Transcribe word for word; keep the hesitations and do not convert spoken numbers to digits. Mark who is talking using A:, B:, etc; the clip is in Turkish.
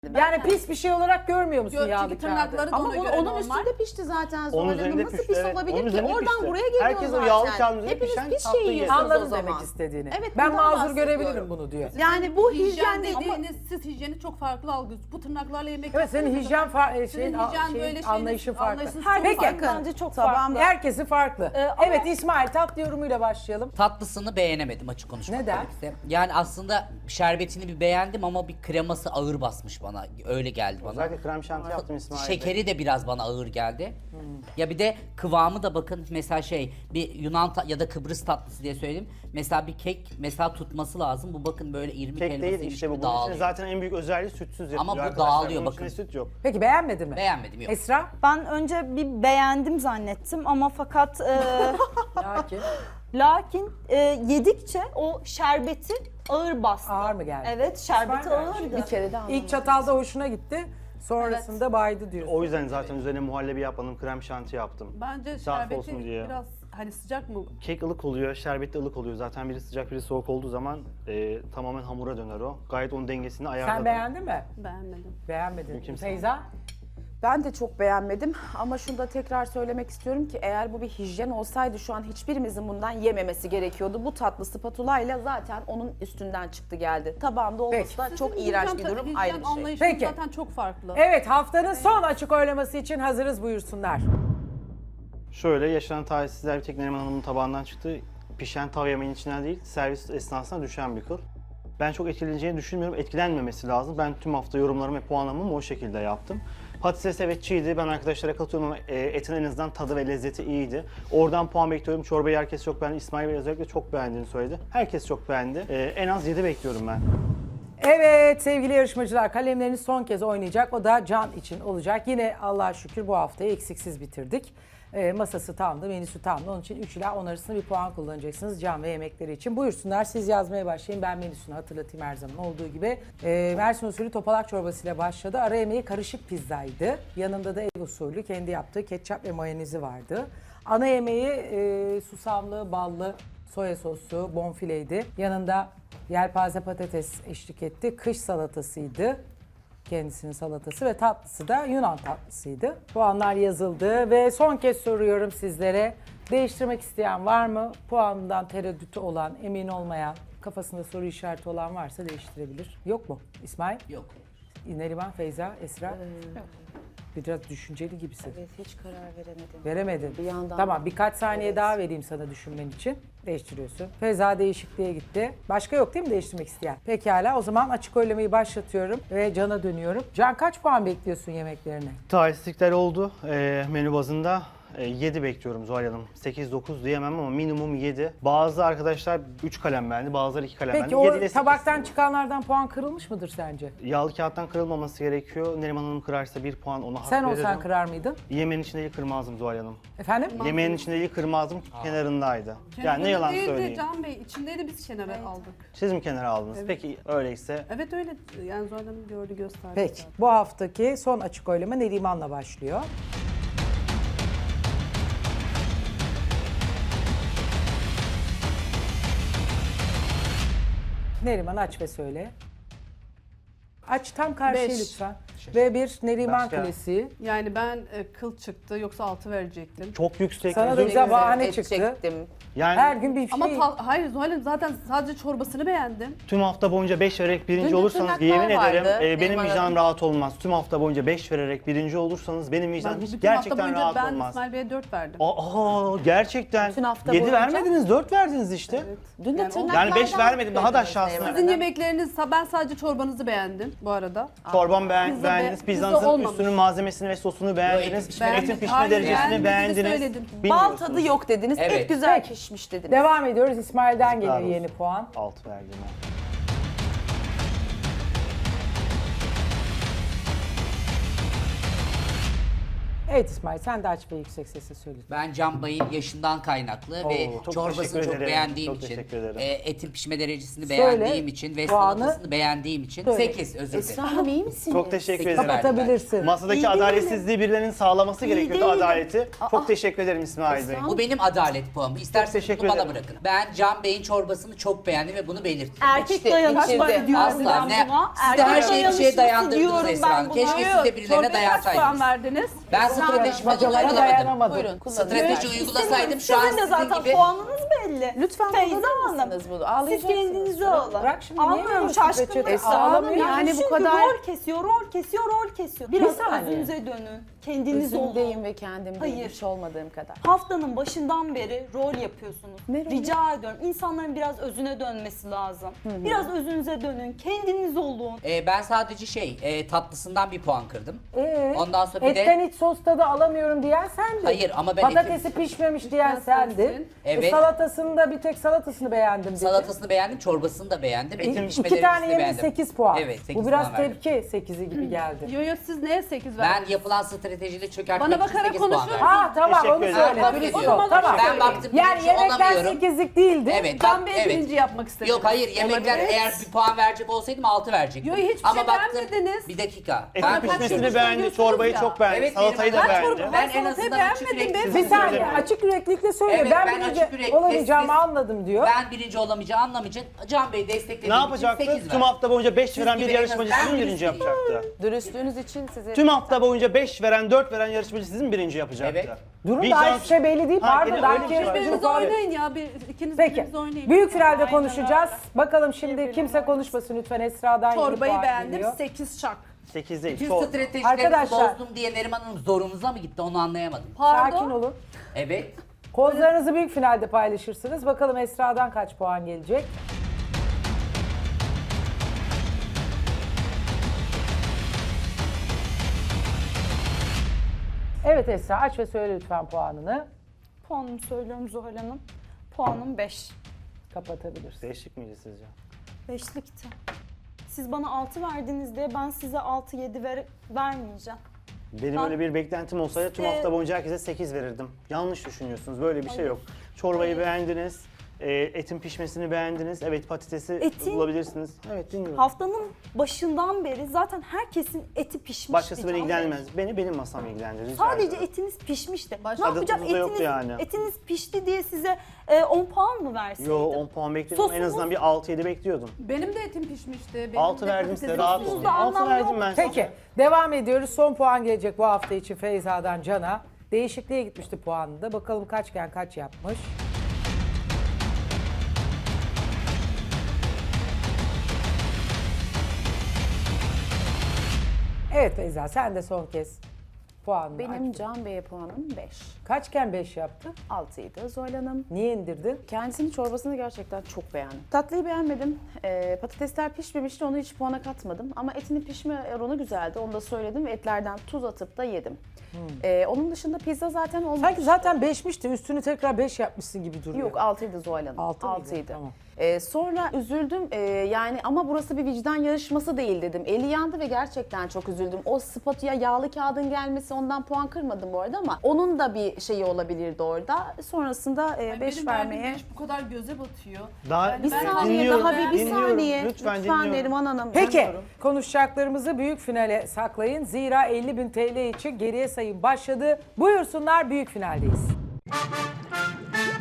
A: Yani pis bir şey olarak görmüyor musun
B: Gö-
A: yağlı
B: çünkü
A: kağıdı?
B: tırnakları da
C: Ama
B: ona
C: bu-
B: göre
C: onun
B: normal.
C: üstünde pişti zaten.
D: Onun
C: Zuhal Hanım.
D: üzerinde
C: Nasıl
D: pişti,
C: pis
D: evet.
C: olabilir
D: Onun
C: ki?
D: üzerinde
C: Oradan
D: pişti.
C: buraya geliyor
D: Herkes o
C: zaten.
D: yağlı kağıdın üzerine
C: Hepiniz
D: pişen
C: pis
D: tatlıyı
C: şey
D: yesin.
C: yiyorsunuz o
A: Anladım
C: zaman.
A: demek istediğini.
C: Evet,
A: Ben
C: bundan
A: mazur
C: bahsediyorum.
A: görebilirim bunu diyor.
C: Yani bu
B: hijyen
C: hijyen değil ama
B: dediğiniz, siz hijyeni çok farklı algılıyorsunuz. Bu tırnaklarla yemek
A: Evet, senin
B: yaptığınız
A: hijyen
B: zaman-
A: fa- e,
B: Sizin
A: şeyin, a-
B: hijyen
A: şeyin,
B: böyle şeyiniz-
A: anlayışın farklı.
B: anlayışınız
A: Her-
B: çok
A: Peki.
B: farklı.
C: bence çok
A: Farklı.
C: farklı.
A: Herkesi farklı.
C: Ee, ama-
A: Evet İsmail, tatlı yorumuyla başlayalım.
E: Tatlısını beğenemedim açık konuşmak
A: Neden?
E: gerekirse. Yani aslında şerbetini bir beğendim ama bir kreması ağır basmış bana. Öyle geldi bana.
D: Özellikle krem şanti yaptım İsmail Bey.
E: Şekeri de biraz bana ağır geldi. Ya bir de kıvamı da bakın mesela şey bir Yunan ta- ya da Kıbrıs tatlısı diye söyledim. Mesela bir kek mesela tutması lazım. Bu bakın böyle irmik
D: Kek
E: helvası
D: değil işte bu.
E: gibi
D: Bunun içinde
E: dağılıyor.
D: zaten en büyük özelliği sütsüz yapılıyor
E: Ama bu
D: arkadaşlar.
E: dağılıyor,
D: Bunun
E: bakın.
D: içinde süt yok.
A: Peki beğenmedin mi?
E: Beğenmedim yok.
A: Esra?
F: Ben önce bir beğendim zannettim ama fakat e,
A: Lakin
F: lakin e, yedikçe o şerbeti ağır bastı.
A: ağır mı geldi?
F: Evet, şerbeti
A: İsmail,
F: ağırdı.
C: bir kere de anlamadım.
A: İlk çatalda hoşuna gitti. Sonrasında baydı diyorsun.
D: O yüzden zaten üzerine muhallebi yapmadım, krem şanti yaptım.
B: Bence
D: Saf olsun
B: şerbeti
D: diye.
B: biraz hani sıcak mı?
D: Kek ılık oluyor, şerbet de ılık oluyor. Zaten biri sıcak, biri soğuk olduğu zaman e, tamamen hamura döner o. Gayet onun dengesini ayarladım.
A: Sen beğendin mi?
B: Beğenmedim.
A: Beğenmedin.
D: Mümkün
A: Feyza?
C: Ben de çok beğenmedim ama şunu da tekrar söylemek istiyorum ki eğer bu bir hijyen olsaydı şu an hiçbirimizin bundan yememesi gerekiyordu. Bu tatlı spatulayla zaten onun üstünden çıktı geldi. Tabağımda olması
A: Peki.
C: da çok
B: Sizin
C: iğrenç
B: hijyen-
C: bir durum,
B: hijyen
C: ayrı bir şey.
B: anlayışınız
A: Peki.
B: zaten çok farklı.
A: Evet, haftanın son açık oylaması için hazırız, buyursunlar.
D: Şöyle yaşanan talihsizler bir tek Neriman Hanım'ın tabağından çıktı. Pişen tav yemeğin içinden değil, servis esnasında düşen bir kıl. Ben çok etkileneceğini düşünmüyorum. Etkilenmemesi lazım. Ben tüm hafta yorumlarımı ve puanlamamı o şekilde yaptım. Patates evet çiğdi. Ben arkadaşlara katılıyorum ama e, etin en azından tadı ve lezzeti iyiydi. Oradan puan bekliyorum. Çorbayı herkes çok beğendi. İsmail Bey özellikle çok beğendiğini söyledi. Herkes çok beğendi. E, en az yedi bekliyorum ben.
A: Evet sevgili yarışmacılar, kalemleriniz son kez oynayacak. O da Can için olacak. Yine Allah'a şükür bu haftayı eksiksiz bitirdik. E, masası tamdı, menüsü tamdı. Onun için üç ila on arasında bir puan kullanacaksınız Can ve yemekleri için. Buyursunlar, siz yazmaya başlayın. Ben menüsünü hatırlatayım her zaman olduğu gibi. E, Mersin usulü topalak çorbasıyla başladı. Ara yemeği karışık pizzaydı. Yanında da ev usulü kendi yaptığı ketçap ve mayonezi vardı. Ana yemeği e, susamlı, ballı, soya soslu, bonfileydi. Yanında yelpaze patates eşlik etti. Kış salatasıydı. Kendisinin salatası ve tatlısı da Yunan tatlısıydı. Puanlar yazıldı ve son kez soruyorum sizlere. Değiştirmek isteyen var mı? Puanından tereddütü olan, emin olmayan, kafasında soru işareti olan varsa değiştirebilir. Yok mu İsmail?
E: Yok.
A: Neriman, Feyza, Esra? Biraz düşünceli gibisin.
C: Evet, hiç karar veremedim.
A: Veremedin.
C: Bir yandan-
A: Tamam, birkaç saniye
C: Evet.
A: daha vereyim sana düşünmen için. Değiştiriyorsun. Feyza değişikliğe gitti. Başka yok değil mi değiştirmek isteyen? Pekala, o zaman açık oylamayı başlatıyorum ve Can'a dönüyorum. Can, kaç puan bekliyorsun yemeklerine?
D: Talihsizlikler oldu e, menü bazında. E, yedi bekliyorum Zuhal Hanım. sekiz dokuz diyemem ama minimum yedi. Bazı arkadaşlar üç kalem beğendi, bazıları iki kalem
A: Peki
D: beğendi.
A: o
D: yedi ile sekiz.
A: tabaktan çıkanlardan puan kırılmış mıdır sence?
D: Yağlı kağıttan kırılmaması gerekiyor. Neriman Hanım kırarsa bir puan ona hak
A: Sen
D: veririm.
A: olsan kırar mıydın?
D: Yemeğin içinde kırmazdım Zuhal Hanım.
A: Efendim?
D: Yemeğin içinde kırmazdım, kenarındaydı. Yani ne yalan
B: Değildi
D: söyleyeyim.
B: Can Bey, içindeydi biz kenara aldık.
D: Siz mi kenara aldınız? Peki öyleyse
B: Evet öyle, yani Zuhal Hanım gördü gösterdi.
A: Peki.
B: zaten.
A: Bu haftaki son açık oylama Neriman'la başlıyor. Neriman aç ve söyle. Aç tam karşıya
B: Beş.
A: lütfen. Ve bir Neriman
D: Başka?
A: klasiği.
B: Yani ben e, kıl çıktı yoksa altı verecektim.
D: çok yüksek.
A: Sana da
D: özür
A: güzel
D: dilerim.
A: bahane
C: Et
A: çıktı.
C: çektim.
D: Yani
A: Her gün bir
B: Ama
A: şey.
B: ta- hayır Zuhal Hanım zaten sadece çorbasını beğendim.
D: tüm hafta boyunca beş vererek birinci
C: Dün de
D: olursanız
C: tırnaklar
D: yemin
C: vardı,
D: ederim e, benim
C: Neriman
D: vicdanım
C: Hanım.
D: rahat olmaz. Tüm hafta boyunca beş vererek birinci olursanız benim vicdanım
B: Ben
D: hiç
B: bütün hafta
D: gerçekten
B: boyunca
D: rahat
B: ben
D: olmaz.
B: İsmail Bey'e dört verdim.
D: Aa gerçekten.
C: Bütün hafta
D: yedi
C: boyunca-
D: vermediniz, dört verdiniz işte.
B: Evet.
C: Dün de
B: Yani o-
C: tırnaklardan
D: Yani beş vermedim, daha da
C: verdiniz
D: aşağısına.
C: Neriman
B: Sizin
C: Hanım.
B: yemekleriniz, ben sadece çorbanızı beğendim bu arada.
D: Çorbam beğen,
B: Pizza
D: beğendiniz,
B: be- pizza
D: pizzanızın
B: olmamış.
D: üstünün malzemesini ve sosunu beğendiniz.
E: Beğendim.
D: Etin pişme
B: Hayır,
D: derecesini
B: beğenmediğinizi
D: beğendiniz.
B: söyledim.
C: Bal
D: Bilmiyorsunuz.
C: tadı yok dediniz,
E: Evet.
C: et güzel
A: Peki.
C: pişmiş dediniz.
A: Devam ediyoruz. İsmail'den
D: Yazıklar
A: geliyor yeni
D: olsun.
A: puan.
D: Altı verdim ben.
A: Evet İsmail sen de aç ve yüksek sesle söyle.
E: Ben Can Bay'ın yaşından kaynaklı ve
D: Oo, çok
E: çorbasını
D: teşekkür
E: çok
D: ederim.
E: beğendiğim
D: Çok
E: için,
D: teşekkür ederim.
E: e, etin pişme derecesini
A: Söyle,
E: beğendiğim için ve
A: puanı
E: salatasını beğendiğim için
A: söyle.
E: sekiz özür dilerim.
C: Esra Hanım iyi misiniz?
D: Çok teşekkür
E: Sekiz
D: ederim.
E: verdim ben.
A: Kapatabilirsin.
D: Masadaki
F: İyi değilim.
D: adaletsizliği birilerinin sağlaması gerekiyordu
F: değilim.
D: adaleti. Çok teşekkür ederim İsmail Bey.
E: Bu benim adalet puanım. İsterseniz
D: teşekkür
E: bunu bana
D: ederim.
E: bırakın. Ben Can Bey'in çorbasını çok beğendim ve bunu belirttim.
F: Erkek
C: İçti,
F: dayanışması
C: içirdi.
F: diyorum
E: Asla
F: ben
E: ne?
F: buna.
E: Siz de her
F: Erkek
E: şeyi bir şeye
F: dayanışması
E: dayandırdınız
F: diyorum
E: Esra
F: ben
E: Hanım.
F: buna.
E: Keşke siz de birilerine
B: Çorbaya kaç puan
E: dayansaydınız.
B: verdiniz?
E: Ben strateji
A: Bacalara
E: uygulamadım.
A: dayanamadım.
C: Buyurun kullanın.
E: Strateji uygulasaydım şu an
F: Sizin de
E: sizin
F: zaten
E: gibi...
F: puanınız belli.
C: Lütfen
F: Feyza
C: kullanır
F: Hanım.
C: mısınız bunu?
F: Siz
C: Ağlayacaksınız.
F: kendinizi alın.
A: Bırak şimdi, niye
F: Anlıyorum
A: veriyorsun
F: şaşkınlık.
A: peçete?
C: Esra Hanım,
F: Ağlamıyorum.
C: yani bu
F: Çünkü
C: kadar-
F: rol kesiyor, rol kesiyor, rol kesiyor. Biraz
A: saniye.
F: özünüze dönün. Kendiniz olun.
C: Üzümdeyim ve kendimdeyim.
F: Hayır.
C: Hiç olmadığım kadar.
F: Haftanın başından beri rol yapıyorsunuz.
C: Ne rolü?
F: Rica ediyorum. İnsanların biraz özüne dönmesi lazım. Biraz özünüze dönün. Kendiniz olun.
E: Ee, ben sadece şey, e, tatlısından bir puan kırdım.
A: Ee,
E: Ondan sonra bir de-
A: etten hiç sos tadı alamıyorum diyen sendin.
E: Hayır, ama ben
A: Patatesi
E: etim-
A: pişmemiş diyen sendin.
E: Evet.
A: E, salatasını da bir tek salatasını beğendim dedin.
E: Salatasını beğendim, çorbasını da beğendim. Etin
A: İki
E: pişme
A: tane
E: derecesini
A: yerine
E: beğendim.
A: sekiz puan.
E: Evet, sekiz
A: Bu biraz
E: puan verdim.
A: tepki sekizi gibi geldi.
B: Yo yo siz neye sekiz
E: Ben
B: verdiniz?
E: yapılan stratejiyle çökertmek
B: Bana
E: için
B: bakarak
E: sekiz puan
B: konuşuyorsun.
E: verdim.
A: Ha tamam
D: Teşekkür
A: onu
D: ederim.
A: söyle.
E: Kabul
A: Dürüst
E: ediyorum.
A: ol, tamam.
E: Ben baktım
A: Yani
E: birinci
A: yemekler
E: olamıyorum.
A: sekizlik değildi.
E: Evet,
B: Can
E: bak,
B: Bey
E: evet.
B: birinci yapmak istediniz.
E: Yok hayır, yemekler
B: Olabilir.
E: eğer bir puan verecek olsaydım altı verecektim.
B: Yo, hiçbir
E: Ama
B: şey
E: baktım,
B: beğenmediniz.
E: bir dakika.
D: Etin
E: Ben
D: pişmesini
B: kaçırmış
D: beğendi,
B: oluyorsunuz
D: çorbayı
B: ya.
D: çok beğendi,
E: Evet,
D: salatayı
E: benim
D: da
E: ben
D: beğendi.
E: çorba-
B: Ben
E: Ben en
B: salatayı
E: azından açık
B: beğenmedim.
E: yürekli.
A: Bir
D: Teşekkür
A: saniye
D: ederim.
A: açık yüreklilikle söyle.
E: Evet,
A: ben,
E: ben
A: birinci
E: açık yürekli,
A: olamayacağımı
E: siz-
A: anladım diyor.
E: Ben birinci olamayacağını anlamayacağım. Can Bey desteklediğim
D: Ne
E: için
D: yapacaktı?
E: sekiz
D: Tüm
E: verdim.
D: hafta boyunca beş veren bir
E: gibi en
D: yarışmacı
E: azından
D: sizin
E: ben
D: birinci
E: dürüst
D: yapacaktı.
C: Dürüstlüğünüz için sizi...
D: Tüm hafta boyunca beş veren, dört veren yarışmacı sizin birinci yapacaktı.
E: Evet.
A: Durun
D: Vicdan-
A: daha hiçbir şey belli değil.
D: Ha,
A: Pardon
D: gene
A: daha
D: öyle bir
A: iki
D: şey var.
A: yarışmacımız
B: Birbirinize
A: var.
B: oynayın ya. Bir, ikiniz
A: Peki.
B: birbirinize oynayın.
A: Büyük finalde
B: Aynen
A: konuşacağız.
B: öyle.
A: Bakalım şimdi kimse konuşmasın lütfen. Esra'dan yeni
B: Çorbayı
A: puan
B: beğendim.
A: geliyor.
B: sekiz çak.
D: sekiz değil.
E: Tüm
D: Çok.
E: stratejilerinizi
A: Arkadaşlar-
E: bozdum diye Neriman Hanım zorunuza mı gitti onu anlayamadım.
B: Pardon.
A: Sakin olun.
E: Evet.
A: Kozlarınızı büyük finalde paylaşırsınız. Bakalım Esra'dan kaç puan gelecek? Evet Esra aç ve söyle lütfen puanını.
F: Puanımı söylüyorum Zuhal Hanım. Puanım beş.
A: Kapatabilirsin.
D: Değişik miydi sizce?
F: Beşlikti. Siz bana altı verdiniz diye ben size altı yedi ver, vermeyeceğim.
D: Benim
F: Ben-
D: öyle bir beklentim olsaydı tüm
F: Ee,
D: hafta boyunca herkese sekiz verirdim. Yanlış düşünüyorsunuz. Böyle bir şey yok. Çorbayı beğendiniz. e, Etin pişmesini beğendiniz. Evet patatesi
F: Etin-
D: bulabilirsiniz. Evet dinliyorum.
F: Haftanın başından beri zaten herkesin eti pişmişti.
D: Başkası beni
F: Can Bey.
D: ilgilenmez. Beni benim masam ilgilendirir. rica
F: Sadece
D: ederim.
F: etiniz pişmişti.
B: Başka
F: ne
D: tadı
F: yapacağım?
D: tuzu da yoktu
F: Etiniz,
D: yani.
F: etiniz pişti diye size e, on puan mı verseydim?
D: Yo on puan bekliyordum. En
F: Sosumuz-
D: azından bir altı yedi bekliyordum.
B: Benim de etim pişmişti. Benim
D: altı
B: de
D: verdim size
B: patatesim
D: rahat
B: pişti.
D: olun.
F: da
D: altı
F: anlam
D: verdim
F: yok.
D: ben size.
A: Peki devam ediyoruz. Son puan gelecek bu hafta için Feyza'dan Can'a. Değişikliğe gitmişti puanında. Bakalım kaçken kaç yapmış. Evet Feyza sen de son kez puanını
C: Benim
A: aç.
C: Can Bey'e puanım beş.
A: Kaçken beş yaptın?
C: altıydı Zuhal Hanım.
A: Niye indirdin?
C: Kendisinin çorbasını gerçekten çok beğendim. Tatlıyı beğenmedim. Ee, patatesler pişmemişti, onu hiç puana katmadım. Ama etinin pişme oranı güzeldi, onu da söyledim ve etlerden tuz atıp da yedim. Ee, onun dışında pizza zaten olmamış.
A: Sanki zaten beşmişti. Üstünü tekrar beş yapmışsın gibi duruyor.
C: Yok altıydı Zuhal Hanım.
A: Altı mıydı?
C: Altıydı.
A: Tamam.
C: Ee, sonra üzüldüm Ee, yani ama burası bir vicdan yarışması değil dedim. Eli yandı ve gerçekten çok üzüldüm. O spatuya yağlı kağıdın gelmesi ondan puan kırmadım bu arada ama onun da bir şeyi olabilirdi orada. Sonrasında
B: Ay,
C: beş
B: benim
C: vermeye...
B: verdiğim beş bu kadar göze batıyor.
D: Daha
B: Yani
C: Bir
B: ben-
C: saniye
D: dinliyorum,
C: daha bir, bir
D: dinliyorum.
C: saniye.
D: Lütfen
C: Lütfen,
D: dinliyorum.
C: Neriman Hanım.
A: Peki
C: dinliyorum.
A: konuşacaklarımızı büyük finale saklayın. Zira elli bin T L için geriye sayım başladı. Buyursunlar büyük finaldeyiz.